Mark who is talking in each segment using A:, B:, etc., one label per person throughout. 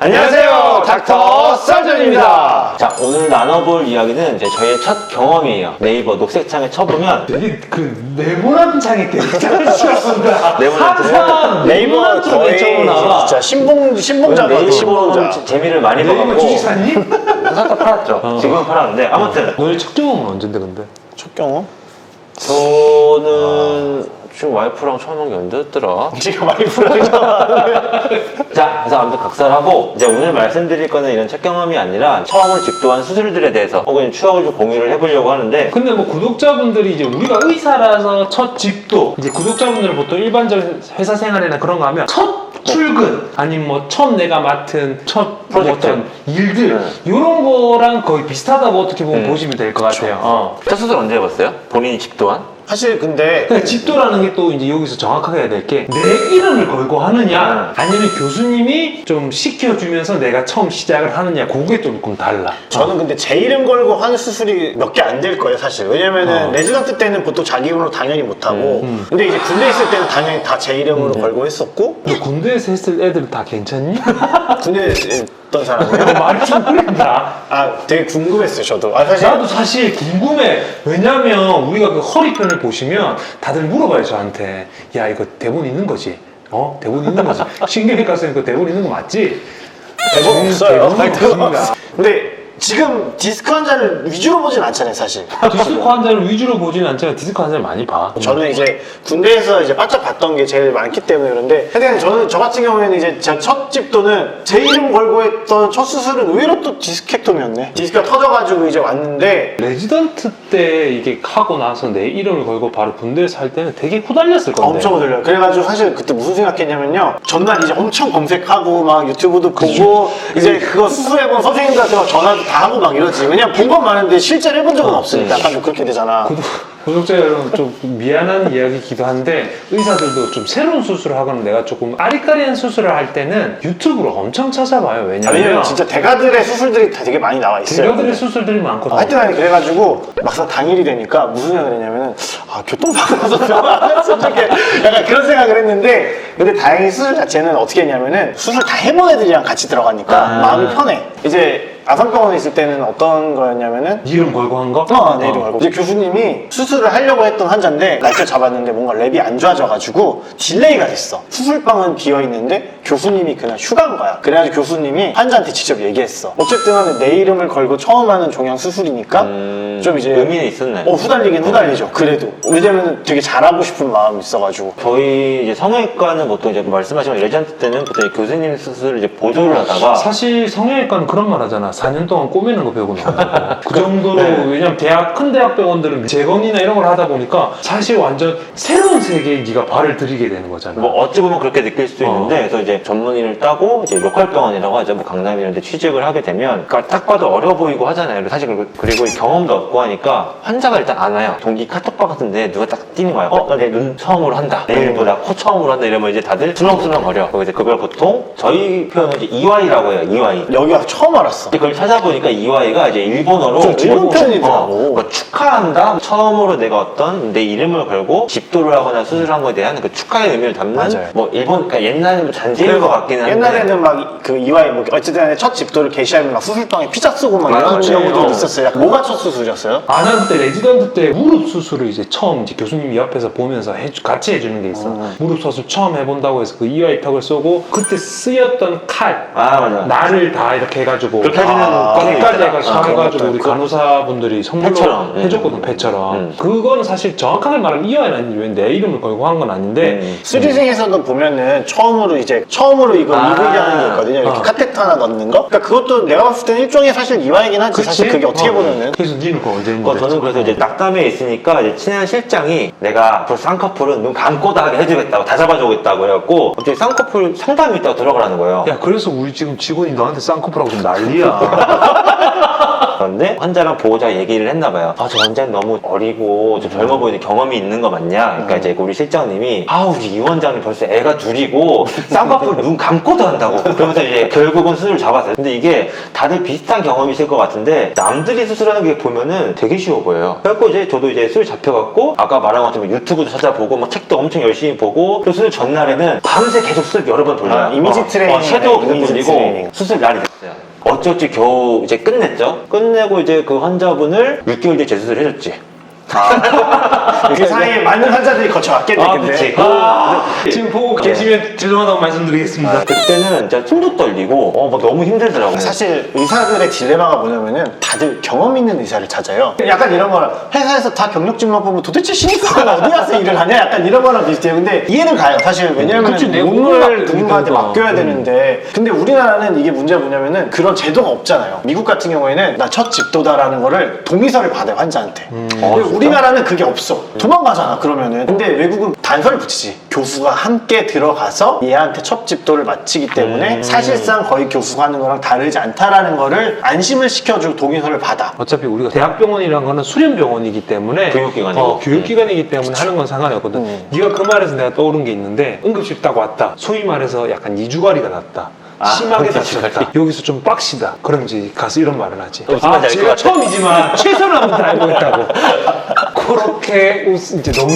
A: 안녕하세요, 닥터 썰전입니다.
B: 자, 오늘 나눠볼 이야기는 이제 저희의 첫 경험이에요. 네이버 녹색창에 쳐보면
A: 되게 그 네모난 창이 되게 잘 쓰였습니다.
B: 네모난
A: 네이버
C: 거의 진짜 신봉자 같은 신봉자.
B: 재미를 많이
A: 네이버
B: 봐갖고
A: 주식 샀니?
B: 살짝 팔았죠. 지금은 팔았는데 아무튼
A: 너의 첫 경험은 언젠데 근데?
C: 첫 경험?
B: 저는 지금 와이프랑 처음 한 게 언제였더라?
C: 지금 많이 불안해.
B: 자, 그래서 아무튼 각설하고 이제 오늘 말씀드릴 거는 이런 첫 경험이 아니라 처음으로 집도한 수술들에 대해서 혹은 추억을 좀 공유를 해보려고 하는데
A: 근데 뭐 구독자분들이 이제 우리가 의사라서 첫 집도 이제 구독자분들은 보통 일반적인 회사 생활이나 그런 거 하면 첫 출근 아니면 뭐 처음 내가 맡은 첫
B: 프로젝트.
A: 어떤 일들
B: 네.
A: 이런 거랑 거의 비슷하다고 어떻게 보면 보시면 될 것 같아요.
B: 첫 수술 언제 해봤어요? 본인이 집도한?
C: 사실 근데
A: 그러니까 집도라는 게 또 이제 여기서 정확하게 해야 될 게 내 이름을 걸고 하느냐 아니면 교수님이 좀 시켜주면서 내가 처음 시작을 하느냐 그게 조금 달라.
C: 저는 근데 제 이름 걸고 하는 수술이 몇 개 안 될 거예요 사실. 왜냐면은 레지던트 때는 보통 자기 이름으로 당연히 못하고 근데 이제 군대 있을 때는 당연히 다 제 이름으로 걸고 했었고
A: 너 군대에서 했을 애들 다 괜찮니?
C: 군대에 있던 사람이요?
A: 말이 좀 그랬다.
C: 아 되게 궁금했어요 저도. 아 사실
A: 나도 사실 궁금해. 왜냐면 우리가 그 허리편을 보시면 다들 물어봐요 저한테. 야 이거 대본 있는 거지? 어? 대본 있는 거지? 신경외과 쌤 그 대본 있는 거 맞지?
C: 대본 없어요.
A: 대본은 없습니다.
C: 근데 지금 디스크 환자를 위주로 보진 않잖아요 사실.
A: 디스크 환자를 위주로 보지는 않지만 디스크 환자를 많이 봐.
C: 저는 이제 군대에서 이제 바짝 봤던 게 제일 많기 때문에 그런데 하여튼 저는 저 같은 경우에는 이제 제 첫 집도는 제 이름 걸고 했던 첫 수술은 의외로 또 디스케tom이었네. 디스크가 터져가지고 이제 왔는데
A: 레지던트 때 이게 하고 나서 내 이름을 걸고 바로 군대에 살 때는 되게 후달렸을 건데.
C: 엄청 들려요. 그래가지고 사실 그때 무슨 생각했냐면요. 전날 이제 엄청 검색하고 막 유튜브도 보고 이제 그거 수술해본 선생님들한테 막 전화도 다 하고 막 이러지. 왜냐면 본 건 많은데 실제로 해본 적은 없으니까 약간 좀 그렇게 되잖아.
A: 구독자 여러분 좀 미안한 이야기이기도 한데 의사들도 좀 새로운 수술을 하거나 내가 조금 아리까리한 수술을 할 때는 유튜브로 엄청 찾아봐요.
C: 왜냐면
A: 왜냐면
C: 진짜 대가들의 수술들이 다 되게 많이 나와 있어요.
A: 대가들의 수술들이 많거든.
C: 하여튼 아니 그래가지고 막상 당일이 되니까 무슨 생각을 했냐면은 아 교통사고 나서 병원 안 갔으면 좋겠 약간 그런 생각을 했는데 근데 다행히 수술 자체는 어떻게 했냐면은 수술 다 해본 애들이랑 같이 들어가니까 마음이 편해. 이제 아산병원에 있을 때는 어떤 거였냐면은
A: 이름 걸고 한 거?
C: 내 이름 알고 이제 교수님이 수술을 하려고 했던 환자인데 날짜 잡았는데 뭔가 랩이 안 좋아져가지고 딜레이가 됐어. 수술방은 비어있는데 교수님이 그날 휴가인 거야. 그래가지고 교수님이 환자한테 직접 얘기했어. 어쨌든 간에 내 이름을 걸고 처음 하는 종양 수술이니까 좀 이제
B: 의미는 있었네.
C: 후달리긴 후달리죠. 그래도 왜냐면 되게 잘하고 싶은 마음이 있어가지고
B: 저희 이제 성형외과는 보통 이제 말씀하신 레전드 때는 보통 교수님 수술을 이제 보조를 하다가
A: 사실 성형외과는 그런 말 하잖아. 4년 동안 꼬매는 거 배우고 나온다고. 그 정도로 왜냐면 큰 대학병원들은 재건이나 이런 걸 하다 보니까 사실 완전 새로운 세계에 네가 발을 들이게 되는 거잖아.
B: 뭐 어찌 보면 그렇게 느낄 수도 있는데 그래서 이제 전문의를 따고 이제 로컬 병원이라고 하죠. 뭐 강남 이런 데 취직을 하게 되면 그러니까 딱 봐도 어려 보이고 하잖아요. 사실 그리고 경험도 없고 하니까 환자가 일단 안 와요. 동기 카톡방 같은데 누가 딱 뛰는 거야. 나 내 눈 처음으로 한다. 내일 뭐 나 코 처음으로 한다. 이러면 이제 다들 술렁술렁 거려. 그래서 이제 그걸 보통 저희 표현은 이제 EY라고 해요. EY.
C: 여기 와서 처음 알았어.
B: 그걸 찾아보니까 EY가 이제 일본어로
C: 좀 일본 표현이더라고.
B: 뭐 축하한다. 처음으로 내가 어떤 내 이름을 걸고 집도를 하거나 수술한 거에 대한 그 축하의 의미를 담는
C: 맞아요.
B: 뭐 일본 그러니까 옛날에는 뭐 잔재인 것 같긴 한데
C: 옛날에는 막 그 이와이 뭐 어쨌든 간에 첫 집도를 개시하면 막 수술방에 피자 쓰고 막
B: 맞아요.
C: 이런 경우도 있었어요. 약간 뭐가 첫 수술이었어요?
A: 난 그때 레지던트 때 무릎 수술을 이제 처음 이제 교수님이 옆에서 보면서 같이 해주는 게 있어. 무릎 수술 처음 해본다고 해서 그 EY 턱을 쏘고 그때 쓰였던 칼
B: 맞아.
A: 날을 다 이렇게 해가지고
B: 그렇게 해주는
A: 까지
B: 있더라.
A: 해가지고 사가지고 우리 간호사분들이 선물로
B: 패처럼.
A: 해줬거든. 패처럼. 그거는 사실 정확하게 말하면 EY는 아닌데 내 이름을 걸고 한 건 아닌데
C: 수리생에서도 보면은 처음으로 이거 EV라는 게 있거든요. 이렇게 카테터 하나 넣는 거. 그러니까 그것도 내가 봤을 때는 일종의 사실 이와이긴 하지. 사실 그게 어떻게 보면은.
A: 그래서 니는 그거 언제 했는데?
B: 저는 그래서 이제 낙담에 있으니까 이제 친한 실장이 내가 앞으로 쌍꺼풀은 눈 감고 다 하게 해주겠다고 다 잡아주겠다고 해갖고 갑자기 쌍꺼풀 상담이 있다고 들어가라는 거예요.
A: 야 그래서 우리 지금 직원이 너한테 쌍꺼풀하고 좀 난리야.
B: 그런데 환자랑 보호자 얘기를 했나 봐요. 아, 저 환자는 너무 어리고 좀 젊어 보이는 경험이 있는 거 맞냐? 그러니까 이제 우리 실장님이 우리 이 원장님 벌써 애가 둘이고 쌍꺼풀 눈 감고도 한다고. 그러면서 이제 결국은 수술을 잡았어요. 근데 이게 다들 비슷한 경험이실 것 같은데 남들이 수술하는 게 보면은 되게 쉬워 보여요. 그래갖고 이제 저도 이제 수술 잡혀갖고 아까 말한 것처럼 유튜브도 찾아보고 막 책도 엄청 열심히 보고 또 수술 전날에는 밤새 계속 수술 여러 번 돌려요.
C: 이미지 트레이닝.
B: 섀도우 계속
C: 이미지
B: 돌리고
C: 트레이닝.
B: 수술 날이 됐어요. 어쩔지 겨우 이제 끝냈죠. 끝내고 이제 그 환자분을 6개월 뒤에 재수술 해줬지.
C: 그 사이에 많은 환자들이 거쳐왔겠네. 근데.
B: 그치.
A: 지금 보고 계시면 죄송하다고 말씀드리겠습니다.
B: 그때는 진짜 숨도 떨리고 막 너무 힘들더라고요.
C: 사실 의사들의 딜레마가 뭐냐면은 다들 경험 있는 의사를 찾아요. 약간 이런 거랑 회사에서 다 경력직만 보면 도대체 신입사가 어디 가서 일을 하냐? 약간 이런 거랑 비슷해요. 근데 이해는 가요. 사실 왜냐면
A: 그치, 내
C: 몸을
A: 몸을
C: 누군가한테
A: 그러니까.
C: 맡겨야 되는데 근데 우리나라는 이게 문제가 뭐냐면은 그런 제도가 없잖아요. 미국 같은 경우에는 나 첫 집도다라는 거를 동의서를 받아요, 환자한테. 근데
B: 진짜?
C: 우리나라는 그게 없어. 도망가잖아, 그러면은. 근데 외국은 단서를 붙이지. 교수가 함께 들어가서 얘한테 첫 집도를 마치기 때문에 사실상 거의 교수가 하는 거랑 다르지 않다라는 거를 안심을 시켜주고 동의서를 받아.
A: 어차피 우리가 대학병원이라는 거는 수련병원이기 때문에
B: 교육기관이고.
A: 교육기관이기 때문에 하는 건 상관이 없거든. 네가 그 말에서 내가 떠오른 게 있는데 응급실 딱 왔다. 소위 말해서 약간 이주가리가 났다. 심하게 다쳤다. 여기서 좀 빡시다. 그럼 이제 가서 이런 말을 하지.
B: 무슨 말인지 알것
A: 제가
B: 같아.
A: 처음이지만 최선을 한번 다해보겠다고. 그렇게 이제 너무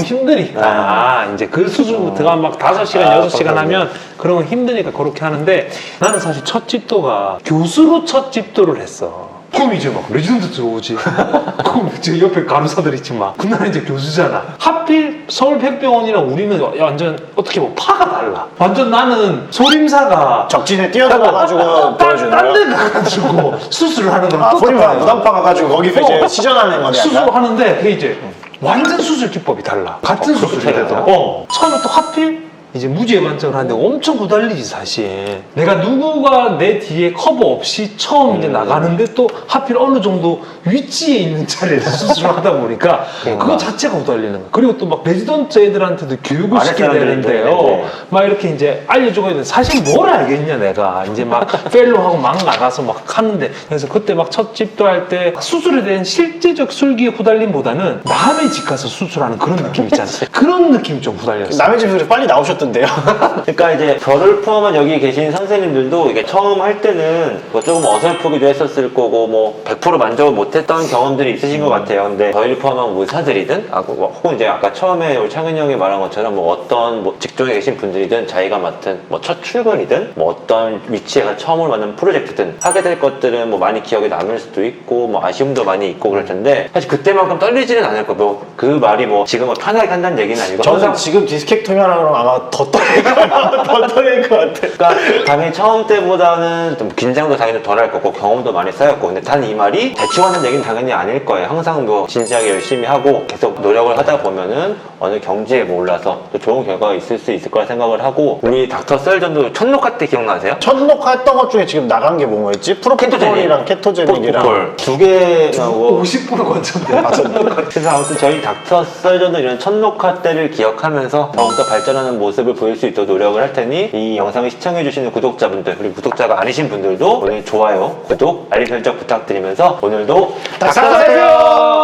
A: 힘드니까 이제 그 수술부터가 막 5시간, 6시간 하면 그런 건 힘드니까 그렇게 하는데 나는 사실 첫 집도가 교수로 첫 집도를 했어. 그럼 이제 막 레지던트 들어오지. 그럼 이제 옆에 간호사들 있지 막. 그날 이제 교수잖아. 하필 서울백병원이랑 우리는 완전 어떻게 보면 파가 달라. 완전 나는 소림사가
C: 적진에 뛰어들어가지고 보여주는
A: 딴
C: 거야.
A: 데 가가지고 수술을 하는 거랑
C: 아, 소림사
A: 똑같아.
C: 무당파 가가지고 거기서 이제 시전하는 거네.
A: 수술을 하는데 그게 이제 완전 수술 기법이 달라. 같은 수술이라도. 처음에 또 하필 이제 무지의 관점을 하는데 엄청 고달리지 사실. 내가 누구가 내 뒤에 커버 없이 처음 이제 나가는데 또 하필 어느 정도 위치에 있는 자리에서 수술을 하다 보니까 그거 자체가 고달리는 거야. 그리고 또 막 레지던트 애들한테도 교육을 시켜야
B: 사람들도
A: 되는데요.
B: 있는데.
A: 막 이렇게 이제 알려주고 있는데 사실 뭘 알겠냐 내가. 이제 막 펠로하고 막 나가서 막 하는데 그래서 그때 막 첫 집도 할 때 수술에 대한 실제적 술기의 후달림보다는 남의 집 가서 수술하는 그런 느낌 있잖아. 그런 느낌이 좀 후달렸어.
C: 남의 집에서 빨리 나오셨던데요.
B: 그러니까 이제 저를 포함한 여기 계신 선생님들도 이게 처음 할 때는 뭐 조금 어설프기도 했었을 거고 뭐 100% 만족을 못했던 경험들이 있으신 것 같아요. 근데 저희를 포함한 의사들이든 혹은 이제 아까 처음에 우리 창현 형이 말한 것처럼 뭐 어떤 뭐 직종에 계신 분들이든 자기가 맡은 뭐 첫 출근이든 뭐 어떤 위치에 가 처음으로 맡는 프로젝트든 하게 될 것들은 뭐 많이 기억에 남을 수도 있고 뭐 아쉬움도 많이 있고 그럴 텐데 사실 그때만큼 떨리지는 않을 거고 뭐 그 말이 뭐 지금 뭐 편하게 한다는 얘기는 아니고
C: 저는
B: 항상
C: 지금 디스케토미 하라 그러면 아마 더 떨릴 것 같아요. 더 떨릴 것 같아.
B: 그러니까 당연히 처음 때보다는 좀 긴장도 당연히 덜 할 거고 경험도 많이 쌓였고 근데 단 이 말이 대충하는 얘기는 당연히 아닐 거예요. 항상 뭐 진지하게 열심히 하고 계속 노력을 하다 보면은 어느 경지에 뭐 올라서 또 좋은 결과가 있을 수 있을 거라 생각을 하고 우리 닥터 썰전도 첫 녹화 때 기억나세요?
C: 첫 녹화했던 것 중에 지금 나간 게 뭐였지? 프로포폴이랑 케토제닉이랑
B: 두 개 나오고
A: 50% 관점돼.
B: 그래서 아무튼 저희 닥터 썰전도 이런 첫 녹화 때를 기억하면서 더욱더 발전하는 모습을 보일 수 있도록 노력을 할 테니 이 영상을 시청해주시는 구독자분들 그리고 구독자가 아니신 분들도 오늘 좋아요, 구독, 알림 설정 부탁드리면서 오늘도 닥터 썰전!